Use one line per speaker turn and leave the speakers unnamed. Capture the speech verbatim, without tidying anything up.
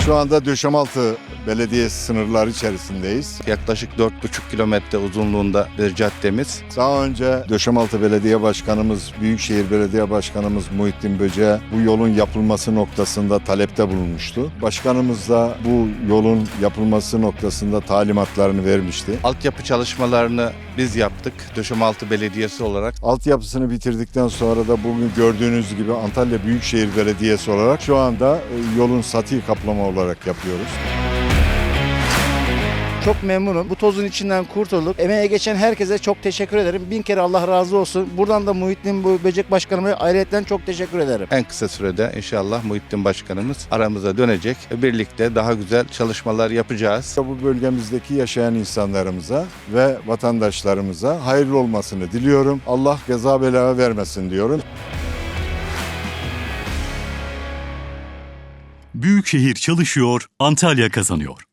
Şu anda Döşemaltı Belediyesi sınırları içerisindeyiz.
Yaklaşık dört buçuk kilometre uzunluğunda bir caddemiz.
Daha önce Döşemaltı Belediye Başkanımız, Büyükşehir Belediye Başkanımız Muhittin Böce'ye bu yolun yapılması noktasında talepte bulunmuştu. Başkanımız da bu yolun yapılması noktasında talimatlarını vermişti.
Altyapı çalışmalarını biz yaptık Döşemaltı Belediyesi olarak.
Altyapısını bitirdikten sonra da bugün gördüğünüz gibi Antalya Büyükşehir Belediyesi olarak şu anda yolun sati kaplama olarak yapıyoruz.
Çok memnunum. Bu tozun içinden kurtulduk. Emeğe geçen herkese çok teşekkür ederim. Bin kere Allah razı olsun. Buradan da Muhittin Böcek Başkanıma ayrıca çok teşekkür ederim.
En kısa sürede inşallah Muhittin Başkanımız aramıza dönecek. Birlikte daha güzel çalışmalar yapacağız.
Bu bölgemizdeki yaşayan insanlarımıza ve vatandaşlarımıza hayırlı olmasını diliyorum. Allah geza bela vermesin diyorum.
Büyükşehir çalışıyor, Antalya kazanıyor.